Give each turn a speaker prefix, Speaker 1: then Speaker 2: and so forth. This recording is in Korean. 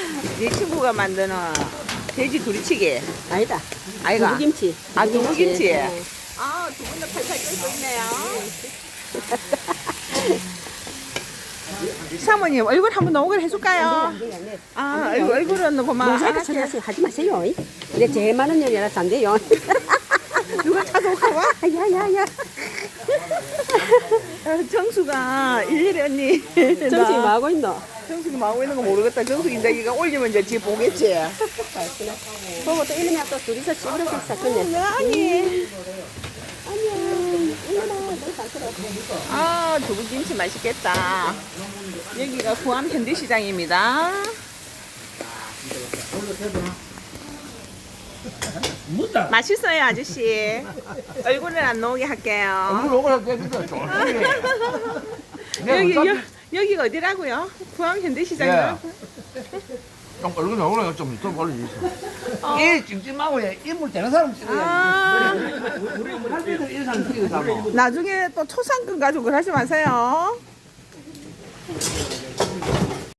Speaker 1: 네 친구가 만드는 돼지 두리치기.
Speaker 2: 아니다.
Speaker 1: 아이가.
Speaker 2: 두부김치.
Speaker 1: 아, 두부김치.
Speaker 2: 네.
Speaker 1: 아, 두 분도 팔팔 끓고 있네요. 사모님, 얼굴 한번 녹을 해줄까요?
Speaker 2: 안 돼.
Speaker 1: 아, 얼굴은 그만.
Speaker 2: 모자이크 처리하세요. 하지 마세요. 근데 제일 많은 요리라서 안 돼요.
Speaker 1: 누가 찾아올까봐?
Speaker 2: 야야야.
Speaker 1: 정수가 일일이 언니.
Speaker 2: 정신이 뭐 하고 있노?
Speaker 1: 정수가 뭐 하고 있는 거 모르겠다. 정수 이제 이거 올리면 이제 지 보겠지.
Speaker 2: 보고 또 이러면 또 둘이서 씹으려고 했어. 근데
Speaker 1: 아니.
Speaker 2: 안녕. 일어나. 너잘 들어.
Speaker 1: 아, 두부김치 맛있겠다. 여기가 구암 현대시장입니다.
Speaker 3: 묻다.
Speaker 1: 맛있어요, 아저씨. 얼굴을 안 나오게 할게요.
Speaker 3: 물 오고 할게 근데 좀.
Speaker 1: 여기가 어디라고요? 구암 현대시장이요?
Speaker 3: 좀 얼굴 나오고 좀 올려주세요. 이 찜찜하고 인물 되는 사람 찍어야지.
Speaker 1: 아,
Speaker 3: 우리 할배들 인상 찍어서.
Speaker 1: 나중에 또 초상권 가지고 그러지 마세요.